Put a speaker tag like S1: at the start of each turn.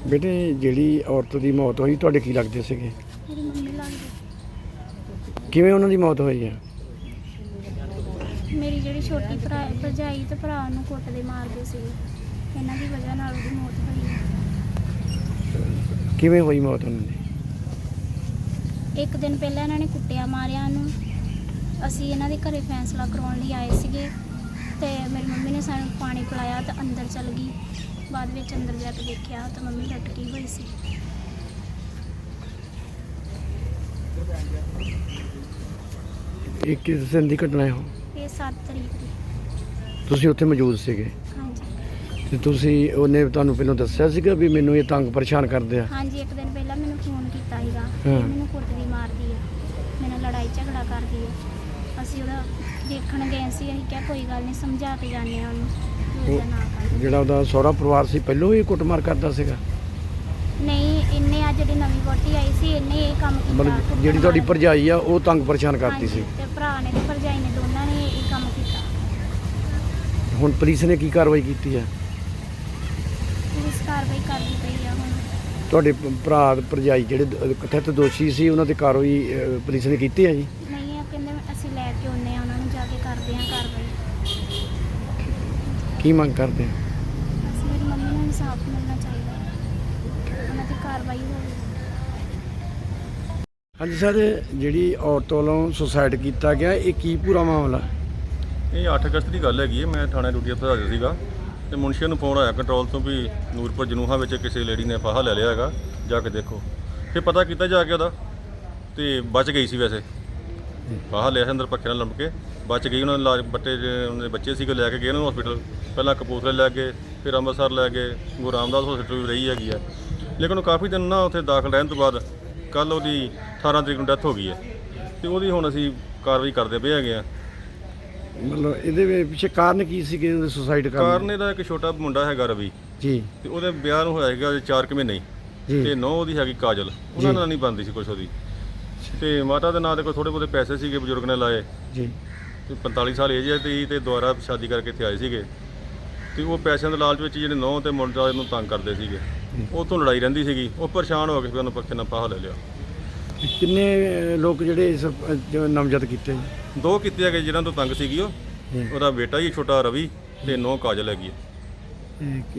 S1: बेटे ਜਿਹੜੀ ਔਰਤ ਦੀ ਮੌਤ ਹੋਈ ਤੁਹਾਡੇ ਕੀ ਲੱਗਦੇ ਸੀਗੇ?
S2: ਮੇਰੀ ਮੰਮੀ ਲੱਗਦੀ।
S1: ਕਿਵੇਂ ਉਹਨਾਂ ਦੀ ਮੌਤ ਹੋਈ ਆ?
S2: ਮੇਰੀ ਜਿਹੜੀ ਛੋਟੀ ਭਰਜਾਈ ਤੇ ਭਰਾ ਨੂੰ ਕੁੱਟਦੇ ਮਾਰਦੇ ਸੀ, ਇਹਨਾਂ ਦੀ ਵਜ੍ਹਾ ਨਾਲ ਉਹਦੀ ਮੌਤ ਹੋਈ ਹੈ।
S1: ਕਿਵੇਂ ਹੋਈ ਮੌਤ ਉਹਨਾਂ ਦੀ?
S2: ਇੱਕ ਦਿਨ ਪਹਿਲਾਂ ਇਹਨਾਂ ਨੇ ਕੁੱਟਿਆ ਮਾਰਿਆ ਉਹਨੂੰ। ਅਸੀਂ ਇਹਨਾਂ ਦੇ ਘਰੇ ਫੈਸਲਾ ਕਰਾਉਣ ਲਈ ਆਏ ਸੀਗੇ ਤੇ ਮੇਰੀ ਮੰਮੀ ਨੇ ਸਾਨੂੰ ਪਾਣੀ ਪਿਲਾਇਆ ਤੇ ਅੰਦਰ ਚਲ ਗਈ। ਬਾਅਦ ਵਿੱਚ ਅੰਦਰ ਜਾ ਕੇ ਦੇਖਿਆ ਤਾਂ ਮੰਮੀ ਲਟਕੀ ਹੋਈ ਸੀ।
S1: ਇਹ ਕਿਸ ਦਿਨ ਦੀ ਘਟਨਾ ਹੈ?
S2: ਇਹ 7 ਤਰੀਕ ਦੀ।
S1: ਤੁਸੀਂ ਉੱਥੇ ਮੌਜੂਦ ਸੀਗੇ
S2: ਹਾਂਜੀ
S1: ਤੇ ਤੁਸੀਂ ਉਹਨੇ ਤੁਹਾਨੂੰ ਪਹਿਲਾਂ ਦੱਸਿਆ ਸੀਗਾ ਵੀ ਮੈਨੂੰ ਇਹ ਤੰਗ ਪਰੇਸ਼ਾਨ ਕਰਦੇ ਆ?
S2: ਹਾਂਜੀ, ਇੱਕ ਦਿਨ ਪਹਿਲਾਂ ਮੈਨੂੰ ਫੋਨ ਕੀਤਾ ਸੀਗਾ ਕਿ
S1: ਹਾਂ।
S2: ਮੈਨੂੰ ਕੁੱਟਦੀ ਮਾਰਦੀ ਹੈ, ਮੇਰੇ ਨਾਲ ਲੜਾਈ ਝਗੜਾ ਕਰਦੀ ਹੈ। ਅਸੀਂ ਉਹਦਾ ਦੇਖਣ ਗਏ ਸੀ। ਅਸੀਂ ਕਿਹਾ ਕੋਈ ਗੱਲ ਨਹੀਂ, ਸਮਝਾ ਕੇ ਜਾਂਦੇ ਹਾਂ ਉਹਨੂੰ ਕਿ ਉਹਦਾ ਨਾ ਕਰ।
S1: ਜਿਹੜਾ ਉਹਦਾ ਸਹੁਰਾ ਪਰਿਵਾਰ ਸੀ ਪਹਿਲਾਂ ਹੀ ਕੁੱਟਮਾਰ ਕਰਦਾ ਸੀਗਾ?
S2: ਨਹੀਂ, ਇਹਨੇ ਆ ਜਿਹੜੀ ਨਵੀਂ ਵਹੁਟੀ ਆਈ ਸੀ ਇਹਨੇ ਇਹ ਕੰਮ ਕੀਤਾ।
S1: ਮਤਲਬ ਜਿਹੜੀ ਤੁਹਾਡੀ ਭਰਜਾਈ ਆ ਉਹ ਤੰਗ ਪਰੇਸ਼ਾਨ ਕਰਦੀ ਸੀ?
S2: ਹਾਂਜੀ, ਤੇ ਭਰਾ ਨੇ ਤੇ ਭਰਜਾਈ ਨੇ ਦੋਨਾਂ ਨੇ ਇਹ ਕੰਮ ਕੀਤਾ।
S1: ਹੁਣ ਪੁਲਿਸ ਨੇ ਕੀ ਕਾਰਵਾਈ ਕੀਤੀ ਹੈ?
S2: ਪੁਲਿਸ ਕਾਰਵਾਈ ਕਰਦੀ ਪਈ ਆ ਹੁਣ।
S1: ਤੁਹਾਡੇ ਭਰਾ ਭਰਜਾਈ ਜਿਹੜੇ ਕਥਿਤ ਦੋਸ਼ੀ ਸੀ ਉਹਨਾਂ ਤੇ ਕਾਰਵਾਈ ਪੁਲਿਸ ਨੇ ਕੀਤੀ ਹੈ ਜੀ?
S2: ਨਹੀਂ, ਇਹ ਕਹਿੰਦੇ ਅਸੀਂ ਲੈ ਕੇ ਆਉਂਦੇ ਆ ਉਹਨਾਂ ਨੂੰ, ਜਾ ਕੇ ਕਰਦੇ ਆ ਕਾਰਵਾਈ।
S1: ਕੀ ਮੰਗ ਕਰਦੇ ਆ?
S2: ਬਸ ਮੇਰੀ ਮੰਮੀ ਨੂੰ ਇਨਸਾਫ ਮਿਲਣਾ ਚਾਹੀਦਾ, ਉਹਨਾਂ ਦੀ ਕਾਰਵਾਈ ਹੋਵੇ।
S1: ਹਾਂਜੀ ਸਰ, ਜਿਹੜੀ ਔਰਤ ਵੱਲੋਂ ਸੁਸਾਈਡ ਕੀਤਾ ਗਿਆ ਇਹ ਕੀ ਪੂਰਾ ਮਾਮਲਾ?
S3: ਇਹ 8 ਅਗਸਤ ਦੀ ਗੱਲ ਹੈਗੀ ਹੈ। ਮੈਂ ਥਾਣੇ ਡਿਊਟੀ ਉੱਤੇ ਹਾਜ਼ਰ ਸੀਗਾ ਤੇ ਮੁਨਸ਼ੀ ਨੂੰ ਫੋਨ ਆਇਆ ਕੰਟਰੋਲ ਤੋਂ ਵੀ ਨੂਰਪੁਰ ਜਨੂਹਾ ਵਿੱਚ ਕਿਸੇ ਲੇਡੀ ਨੇ ਫਾਹਾ ਲੈ ਲਿਆ ਹੈਗਾ, ਜਾ ਕੇ ਦੇਖੋ। ਫਿਰ ਪਤਾ ਕੀਤਾ ਜਾ ਕੇ ਉਹਦਾ ਤੇ ਬਚ ਗਈ ਸੀ। ਵੈਸੇ ਫਾਹਾ ਲਿਆ ਸੀ ਅੰਦਰ ਪੱਖੇ ਨਾਲ ਲੰਮਕ ਕੇ ਬਚ ਗਈ। ਉਹਨਾਂ ਦੇ ਇਲਾਜ ਉਹਨਾਂ ਦੇ ਬੱਚੇ ਸੀਗੇ, ਲੈ ਕੇ ਗਏ ਉਹਨੂੰ ਹਸਪੀਟਲ। ਪਹਿਲਾਂ ਕਪੂਰਥਲੇ ਲੈ ਗਏ, ਫਿਰ ਅੰਮ੍ਰਿਤਸਰ ਲੈ ਗਏ, ਗੁਰੂ ਰਾਮਦਾਸ ਹਸਪੀਟਲ ਵੀ ਰਹੀ ਹੈਗੀ ਹੈ। ਲੇਕਿਨ ਉਹ ਕਾਫੀ ਦਿਨ ਨਾ ਉੱਥੇ ਦਾਖਲ ਰਹਿਣ ਤੋਂ ਬਾਅਦ ਕੱਲ੍ਹ ਉਹਦੀ 18 ਤਰੀਕ ਨੂੰ ਡੈਥ ਹੋ ਗਈ ਹੈ ਤੇ ਉਹਦੀ ਹੁਣ ਅਸੀਂ ਕਾਰਵਾਈ ਕਰਦੇ ਪਏ ਹੈਗੇ ਹਾਂ।
S1: ਮਤਲਬ ਇਹਦੇ ਪਿੱਛੇ ਕਾਰਨ ਕੀ ਸੀ ਕਿ ਉਹਨੇ ਸੁਸਾਈਡ ਕਰਨ?
S3: ਕਾਰਨ ਇਹਦਾ ਇੱਕ ਛੋਟਾ ਮੁੰਡਾ ਹੈਗਾ ਰਵੀ
S1: ਜੀ,
S3: ਤੇ ਉਹਦੇ ਵਿਆਹ ਨੂੰ ਹੋਇਆ ਹੈਗਾ 4 ਮਹੀਨੇ ਹੀ
S1: ਜੀ
S3: ਤੇ ਨੌ ਉਹਦੀ ਹੈਗੀ ਕਾਜਲ। ਉਹਨਾਂ ਨਾਲ ਨਹੀਂ ਬਣਦੀ ਸੀ ਕੁਛ ਉਹਦੀ। ਤੇ ਮਾਤਾ ਦੇ ਨਾਂ ਤੇ ਕੋਈ ਥੋੜੇ ਬਹੁਤੇ ਪੈਸੇ ਸੀਗੇ ਬਜ਼ੁਰਗ ਨੇ ਲਾਏ
S1: ਜੀ।
S3: ਤੇ 45 ਸਾਲ ਏਜ ਹੈ ਤੇ ਦੁਬਾਰਾ ਸ਼ਾਦੀ ਕਰਕੇ ਇੱਥੇ ਆਏ ਸੀਗੇ ਤੇ ਉਹ ਪੈਸਿਆਂ ਦੇ ਲਾਲਚ ਵਿੱਚ ਜਿਹੜੇ ਨੌ ਤੇ ਮੁੰਡਾ ਇਹਨੂੰ ਤੰਗ ਕਰਦੇ ਸੀਗੇ। ਉਹ ਤੋਂ ਲੜਾਈ ਰਹਿੰਦੀ ਸੀਗੀ। ਉਹ ਪਰੇਸ਼ਾਨ ਹੋ ਕੇ ਫਿਰ ਉਹਨੂੰ ਪੱਖੇ ਨਾਲ ਫਾਹਾ ਲੈ ਲਿਆ।
S1: ਕਿੰਨੇ ਲੋਕ ਜਿਹੜੇ ਇਸ ਨਾਮਜ਼ਦ ਕੀਤੇ ਜੀ?
S3: 2 ਕੀਤੇ ਹੈਗੇ ਜਿਹਨਾਂ ਤੋਂ ਤੰਗ ਸੀਗੀ ਉਹ। ਉਹਦਾ ਬੇਟਾ ਹੀ ਛੋਟਾ ਰਵੀ ਤੇ 9 ਕਾਜਲ ਹੈਗੀ ਹੈ।